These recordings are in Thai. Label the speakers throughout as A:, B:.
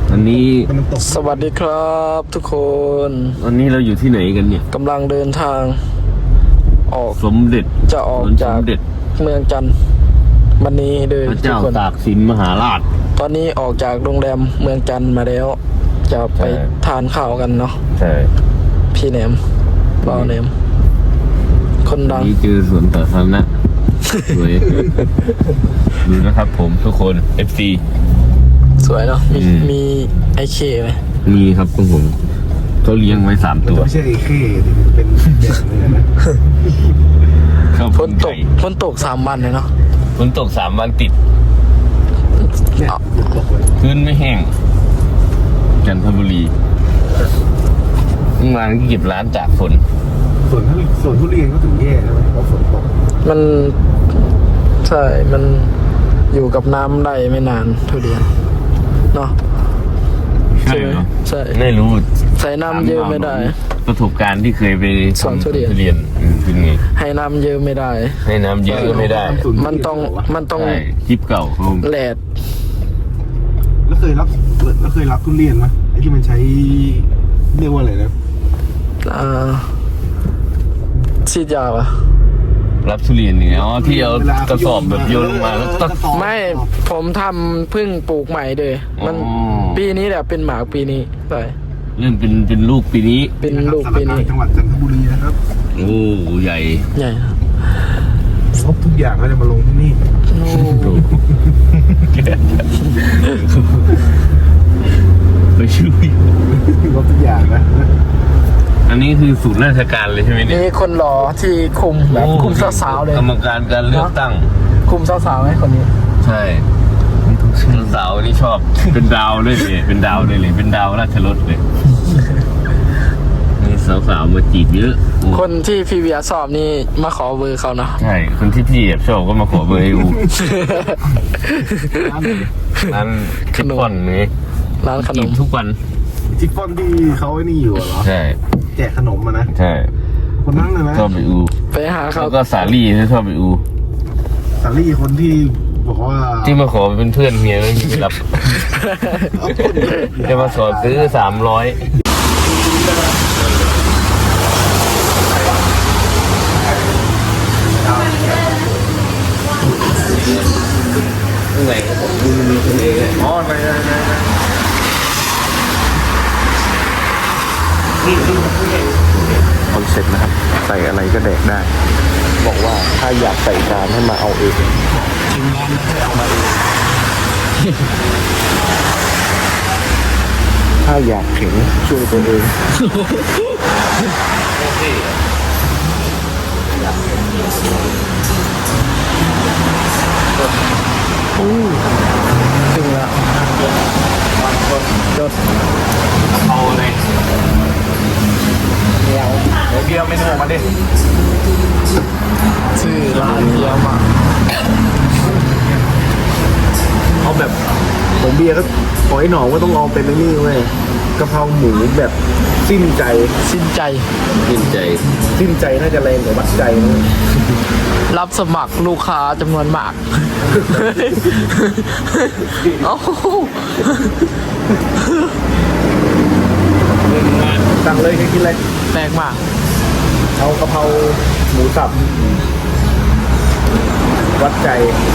A: อันนี้
B: สวัสดีครับทุกคน
A: อันนี้เราอยู่ที่ไหนกันเนี่ย
B: กำลังเดินทางออก
A: สมเด็จ
B: จะออกจากเมืองจันทร์วันนี้เลย
A: พระเจ้าตากสินมหาราช
B: ตอนนี้ออกจากโรงแรมเมืองจันทร์มาแล้วจะไปทานข้าวกันเนาะ
A: ใช่
B: พี่แหนมบ่าวแหนมคนดัง
A: นี่เจอสวนสาธารณะสวยดูนะครับผมทุกคน FC
B: สวยเนาะมีไอเคไหม
A: มีครับของผมเขาเลี้ยงไว้3 ตัว
C: ไม่ใช่ไอเคเป็นเด็กเลยนะ
B: ฝนตก3 วันเลยเนาะ
A: ฝนตก3 วันติดพื้นไม่แห้งจันทบุรีเมื่อวานเก็บร้านจากฝน
C: ส่วนทุเรียนก็ถึงแย่ใช่ไหมเพราะฝนตก
B: มันใช่มันอยู่กับน้ำได้ไม่นานทุเรียนเนาะ
A: ใช่เหรอ
B: ใช่
A: ไม่รู้
B: ใส่น้ำเยอะไม่ได้
A: ประสบการณ์ที่เคยไป
B: สอนทุเรียน
A: เป็นไง
B: ให้น้ำเยอะไม่ได้
A: ให้น้ำเยอะไม่ได้
B: มันต้อง
A: คลิปเก่า
B: แหลด
C: แล้วเคยรับทุเรียนไหมไอ้ที่มันใช้เรียกว่าอะไรนะ
B: ฉีดยาปะ
A: รับทุเรียนเนี่ยอ๋อที่เอากระสอบแบบโยนลงมาแล้ว
B: ไม่ผมทำเพิ่งปลูกใหม่เลยมันปีนี้แหละเป็นหมากปีนี้ใช่
A: เริ่มเป็นลูกปีนี้
B: เป็นลูกปีนี้
C: จังหวัดจันทบุรีนะครับ
A: โอ้ใหญ่
C: ครบทุกอย่างก็จะมาลงที่นี่
A: ไปช่วย
C: ครบทุกอย่างนะ
A: อันนี้คือศูนย์ราชการเลยใช่ไหมเนี่ย
B: นี่คนหล่อที่คุมแบบคุมสาวๆเลย
A: กรรมการการเลือกตั้ง
B: คุมสาวๆไหมคนนี้
A: ใช่สาวนี่ชอบเป็นดาวด้วยเลยเป็นดาวเลยเป็นดาวราชรถเลยนี่สาวๆมาจีบเยอะ
B: คนที่พี่เวียสอบนี่มาขอเบอร์เขาเนาะ
A: ใช่คนที่พี่แอบชอบก็มาขอเบอร์ให้อูร้านขนมนี่
B: ร้านขนม
A: ทุกวัน
C: จิฟฟอนที่เขาไอ้นี่อยู่เหรอ
A: ใช่
C: แจกขนมมานะ
A: ใช่
C: คนนั้นเลยนะ
A: ชอบไปอู
B: ไปหาเขา
A: แล้วก็สาลี่ที่ชอบไปอู
C: สาลี่คนที่บอกว่า
A: ที่มาขอเป็นเพื่อนเมียไม่มีรับจะมาขอซื้อ300ไหนดูมีคนเองเลย
C: อ๋อไหน
B: คอนเซ็ปต์นะครับใส่อะไรก็แดกได้บอกว่าถ้าอยากใส่จานให้มาเอาเองถึงร้านแล้วให้เอามาเองถ้าอยากถึงช่วยตัวเองถึงแล้วจด
A: เอาเลย
C: เบียร์เมนูมาดิ
B: ชื่อร้านเบียร์มา
C: เอาแบบของเบียร์ก็ขอให้หนองก็ต้องเอาเป็นนี่เว้ยกะเพราหมูแบบสิ้นใจน่าจะแรงกว่าวัดใจนะ
B: รับสมัครลูกค้าจำนวนมาก
C: สั่งเลยใครกินอะไร
B: แปลกมาก
C: เอากะเพราหมูสับวัดใจ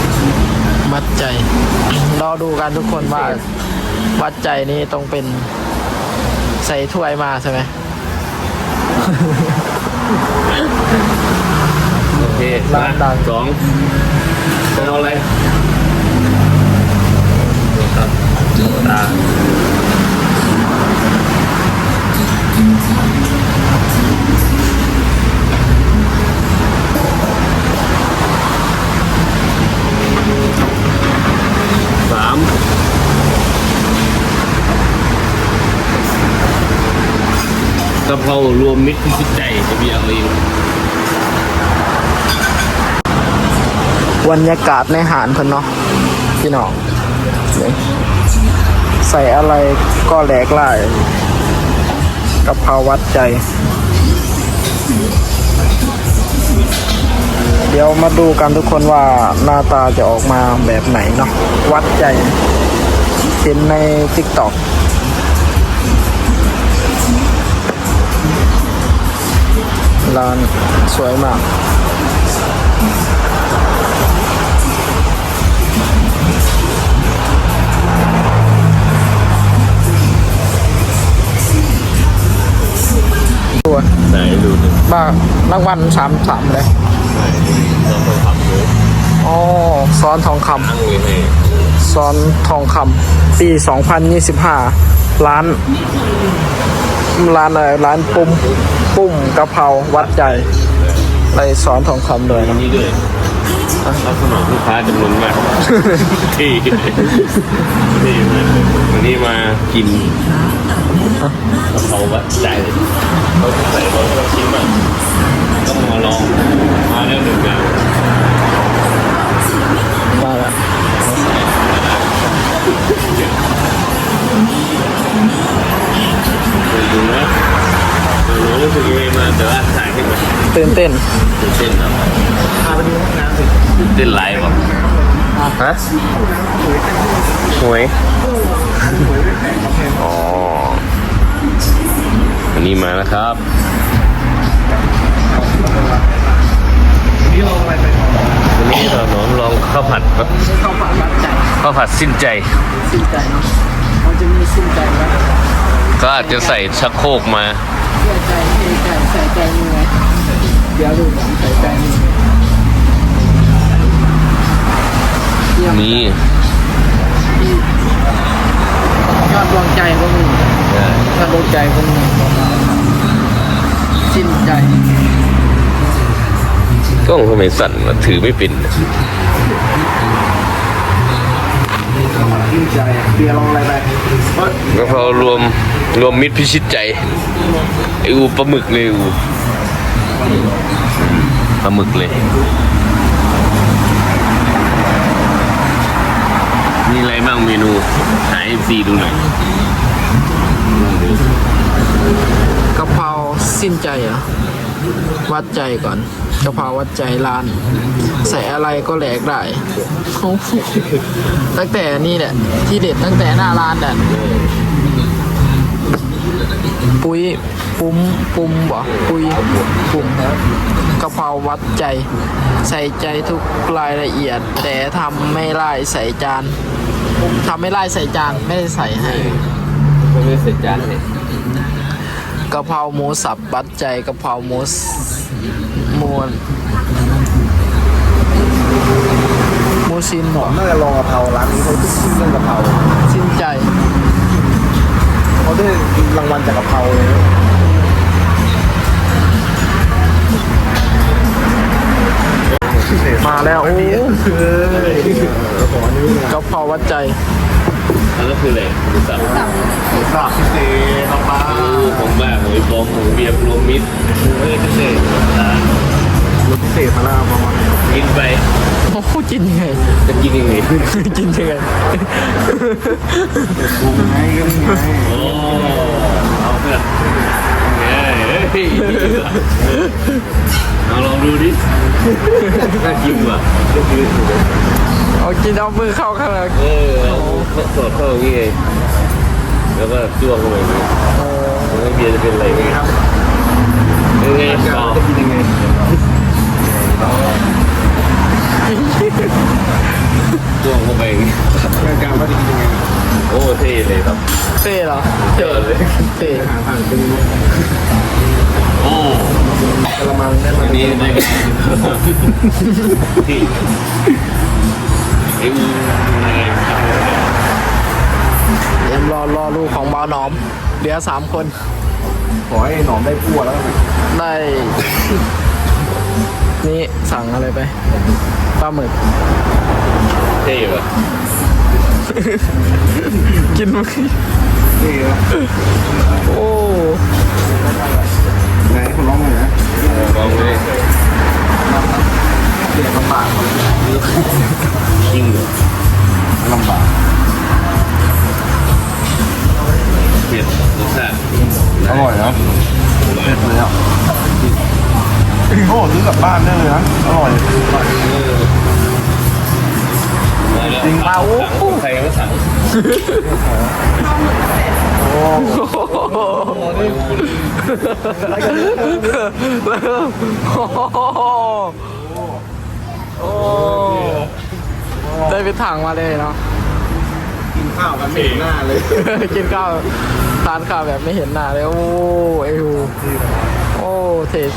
B: รอดูกันทุกคนว่าวัดใจนี้ต้องเป็นใส่ถ้วยมาใช่ไหม
A: โอเคร้านดัง2เป็นอะไรครับตา3กะเพรารวมมิตรพิชิตใจจะมีอะไรอยู่
B: บรรยากาศในหาดเพิ่นเนาะพี่น้องใส่อะไรก็แหลกหลายกะเพราวัดใจเดี๋ยวมาดูกันทุกคนว่าหน้าตาจะออกมาแบบไหนเนาะวัดใจเห็นใน TikTok
D: ร้านสวยมากตัว
A: ไหนดูหนึ่ง
D: บ้ารางวัล3เลย
A: เราเคยทำเลย
D: อ๋อซ้อนทองค
A: ตั้งเลยให้
D: ำซ้อนทองคำปี 2025 ร้านอะไรร้านปุ้มกะเพราวัดใจไรซ้อนทองคำเลยนะ
A: นี่ด้วยรับสนองลูกค้าจำนวนมากที่มากวันนี้มากินกะเพราวัดใจเขาใส่รสเราชิมอ่ะต้องมาลองมาแล้วหนึ่งอย่าง
D: มาแล้ว
A: ดูนะหนูรู้สึกยังไงมาแต่ว่าถ่ายขึ้นมา
D: ตื่นเต้น
A: ตื่นเต้นครับ
C: พาไปดูห้องน้ำสิ
A: ตื่นเต้นไลฟ์แบบ
B: ฮะหวย
A: อ๋ออันนี้มาแล้วครับ
C: นี่ลองอะไรไปของ
A: วันนี้เราลองข้าวผัดครับ
D: ข้าวผัดวัดใจ
A: ข้าวผัดสิ้นใจ
D: สิ้นใจเนาะมันจะมีสิ้นใจแล้ว
A: ก็อาจจะใส่ชักโครกมา
D: เชื่อใจเทใจใส่ใจมือไงเดี๋ยวดูผมใส่ใจมือเยี่ยม
A: นี่
D: ยอดดวงใจก็มียอดดวงใจก็มีสิ้นใจ
A: กล้องทำไมสั่นวะถือไม่เป็น
C: ยิ่งใจเบียร์ลองอะไรไป
A: กะเพรารวมมิตรพิชิตใจไออูปลาหมึกเลยอูปลาหมึกเลยมีอะไรบ้างเมนูหา FC ดูหน่อย
D: กะเพราสิ้นใจเหรอวัดใจก่อนกะเพราวัดใจร้าน ใส่อะไรก็แหลกได้โอ้โหตั้งแต่นี่แหละที่เด็ดตั้งแต่หน้าร้านน่ะปุ้มบ่ปุ้มกะเพราวัดใจ ใส่ใจทุกรายละเอียด แต่ทำไม่ไล่ใส่จานทำไม่ไล่ใส่จานไม่ได้ใส่ให้
A: ไม่เสร็จจานเลย
D: กะเพราหมูสับวัดใจกะเพราหมูชิ้นหรอ
C: น่าจะลองกะเพราร้านนี้เขาขึ้นเรื่องกะเพรา
D: สิ้นใจ
C: เขาได้รางวัลจากกะเพราเลยนะ
D: มาแล้วโอ้
C: ขอนิ้ว
D: กะเพราวัดใจ
A: อันนั้นคืออะไรหมูสับ
C: สลับพิเศษน้องปลา
A: ผมบ้าหอยฟองหมูเบียร์รวมมิตรไม่ได้พิเศษ
C: รสพิเศษมาแล้วประมาณ
A: กินไป
D: โอ้โหกินยังไง
A: จะกินยังไง
D: กินยังไง
C: ปรุงไงก็นี่ไง
A: โอ้เอาเพื่อนเฮ้ยเอาลองดูดิน่ากินว่ะ
D: เอากินเอามือเข้าข้างใน
A: เอาสดเข้าอย่างงี้ไงแล้วก็จ้วงเข้าไปอย่างงี้แล้วเบียร์จะเป็นอะไรไงครับยังไงต่อ
C: จะกินยังไง
A: จ้วงเข้าไปอย่างงี้
C: การว่าจะกินยังไง
A: โอ้เท่เลยครับ
D: เต้เหรอ
A: เท่เลย
D: เต้
C: อาหารผ่านเป็น
A: โอ้
C: กระมังได้ไหม
A: อันนี้ได้ไงที่ไอ้อูอะไร
D: เดี๋ยวรอลูกของบ่าวหนอมเหลือ3 คน
C: ขอให้หนอมได้พั่วแล้วกัน
D: ได้ นี่สั่งอะไรไปปลาหมึก
A: เท่ป่ะ
D: กินไหม
C: นี่นะ
D: โอ้
C: ไหนคุณร้องหน่อยนะ
A: ลองเลย
C: เรียกลำบาก
A: จริงเหรอ
C: ลำบาก
A: เผ็ดรสชาติ
C: อร่อยนะเผ็ดเลยอ่ะโอ้ซื้อกลับบ้านได้เลยนะอร่อย
A: มาแล้ว
C: จริง
A: สั่งใครก็สั่ง
D: แล้วได้ไปถังมาเลยเนาะ
C: กินข้าวกันไม่เห็นหน้าเลย
D: กินข้าวทานข้าวแบบไม่เห็นหน้าเลยโอ้ไอ้หูโอ้เท่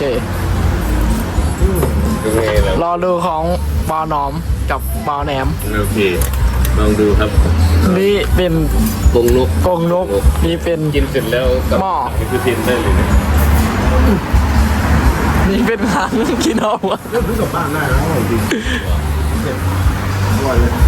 A: ดูไงแล้ว
D: ๆรอดูของบาวหนอมกับบ่าวแหนม
A: โอเคลองดูครับ
D: นี่เป็น
A: กงนก
D: กรงนกนี่เป็น
A: กินเสร็จแล้วกับ
D: หม้อ
A: นี่คือทินได้เลยนะ
D: นี่เป็นหางกินเอาวะ
C: เริ่มซื้อกลับบ้านได้แล้วอร่อยจริงอร่อยเลย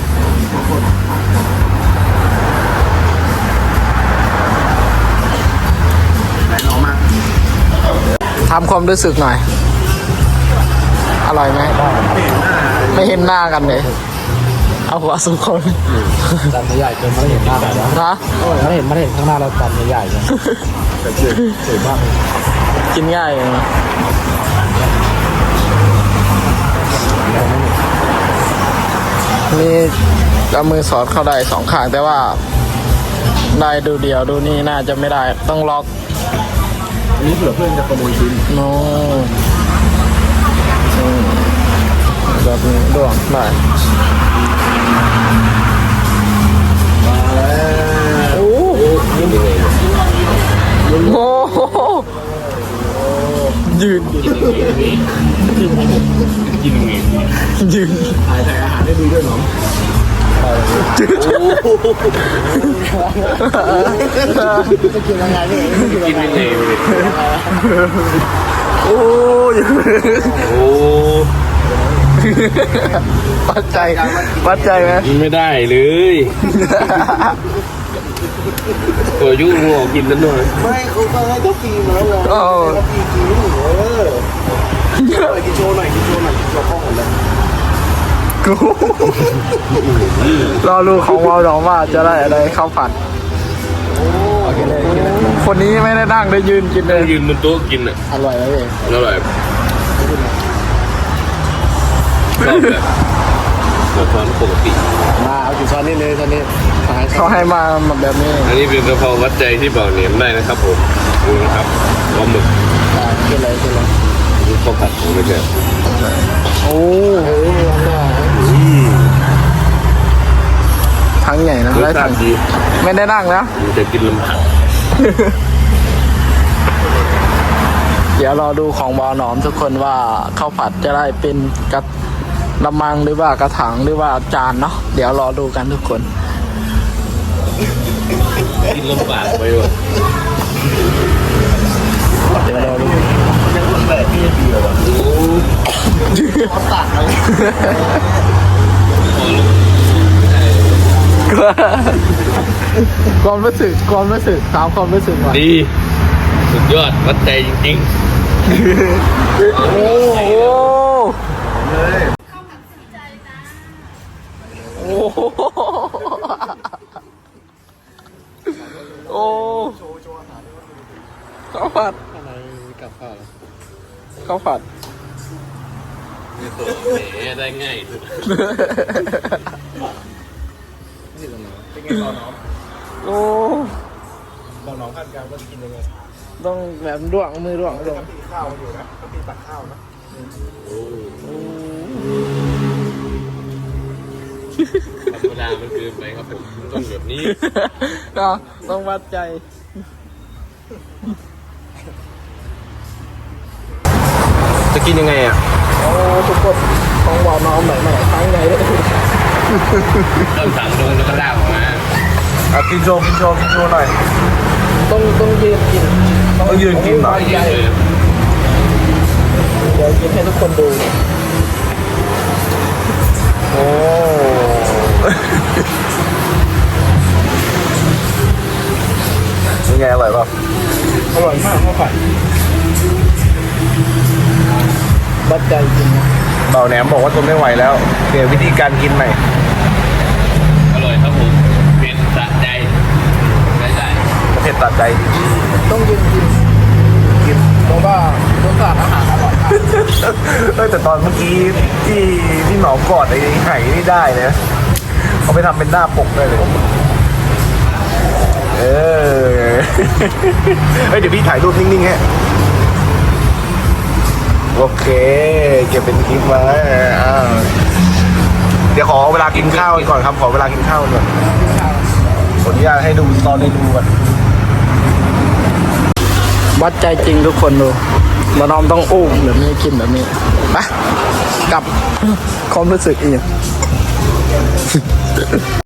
C: ไหนหนอมา
D: ทำความรู้สึกหน่อย อร่อยไหมไม่เห็นหน้ากันเลย เอาหัวสุกคน
B: จานใหญ่เกินไม่เห็นหน้าเลยนะ
D: นะ
B: ไม่เห็นข้างหน้าเราจานใหญ่เลยแต่สวยมาก
D: กินง่ายเลยนะนี่เอามือสอดเข้าได้สองข้างแต่ว่า ได้ดูเดียวดูนี่น่าจะไม่ได้ต้องล็อก
C: อันนี้เผื่อเพื่อนจะขโมยชิ้น
D: โน้แบบนี้ด้วงได้
C: มาแล้ว
D: โอ้
A: กินยังไง
D: โหยืน
A: กินยังไง
D: ยืน
C: ถ่ายอาหารได้ดีด้วยหนอม
B: จะกินยังไงนี่
A: กินยังไงเลย
D: โอ้ย
A: โอ้
D: วัดใจไหม
A: กินไม่ได้เลยตัวยุ่งหัวกินแล้วหน่อย
C: ไม่เขาก็ให้เขาฟีมาแล้วไง
D: โอ้
C: เขาฟีจริงกินโชว์หน่อยเราคล้องกันเลย
D: กูรอดูของวอลดองว่าจะได้อะไรข้าวผัดคนนี้ไม่ได้นั่งได้ยืนกินเล
A: นั่ง
D: ย
A: ยืนบนโต๊ะกินอ่ะ
D: อร่อยไหมพี่
A: อร่อยชอบแบบช้อนปกติ
B: มาเอากี่ช้อนนี่เลยตอนนี้หาย
D: เขาให้มาแบบนี้
A: อันนี้เป็นกะเพราวัดใจที่บอกเหนียมได้นะครับผมดูนะครับปลาหมึก
D: กินเลย
A: นี่ข้าวผัดผมไม่ใช่
D: โอ้ทั้งใหญ่นะ
A: รส
D: ได้
A: ชา
D: ทั้ง
A: ติดี
D: ไม่ได้นั่งนะ
A: มันจะกินลำพัง
D: เดี๋ยวรอดูของบอหนอมทุกคนว่าข้าวผัดจะได้เป็นกระมังหรือว่ากระถางหรือว่าจานเนาะเดี๋ยวรอดูกันทุกคน
A: กินลำบากไปว่ะ
D: เดี๋ยวรอดู
C: ยังคนแบบนี้ดีเลยว่ะเขาตัดเลย
D: ความรู้สึกถามความรู้สึกก่อน
A: ดีสุดยอดวัดใจจริง
D: โอ้โหโอ้โหโอ้ข้าวผัด
B: อะไรกับข้าว
D: ข้าวผัด
A: ๆนี่ตัวแหมได้ง่ายสุด
C: เป็นไงต่อน้อง
D: โอ้
C: บอกน้องขั้นกลางว่าจะกินยังไง
D: ต้องแบบด้วงมือด้วง
C: ตีข้าวอยู่นะตีตักข้าวนะ
A: ธรรมดามันเกินไปครับผมต้องแบบนี้
D: ก็ต้องวัดใจ
C: จะกินยังไงอ่ะ
D: โอ้ทุกคนของบอกน้องใหม่ๆทั้งไงเลย
A: เริ่มสั่งลงแล้วก็ลากออกมา
C: กินโชว์หน่อย
D: ต้องยืนกิน
C: ต้องยืนกินเหรอ
D: ใหญ่เดี๋ยวกินให้ทุกคนดู
C: โอ้ยังไงอร่อยป่ะ
D: อร่อยมากข้าวผัดวัดใจจริงนะ
C: เบาแหนมบอกว่าทนไม่ไหวแล้วเปลี่ยนวิธีการกินใหม่
A: อร่อยครับผมเป็นสะใจได้
C: เผ็ดตัดใจ
D: ต้องยืนกินเพราะว่ารสชาติอาหารอร่อยมาก
C: แต่ตอนเมื่อกี้ที่หนองกอดไอ้ไห่นี่ได้นะเขาไปทำเป็นหน้าปกได้เลยเฮ้ยเดี๋ยวพี่ถ่ายรูปนิ่งๆฮะโอเคเก็บเป็นคลิปไว้เดี๋ยวขอเวลากินข้าวก่อนครับ ขอเวลากินข้าวก่อนขออนุญาตให้ดูตอนเมนูก่อน
D: วัดใจจริงทุกคนดูมานอมต้องอุ้มแบบนี้กินแบบนี้ไปกลับความรู้สึกอีก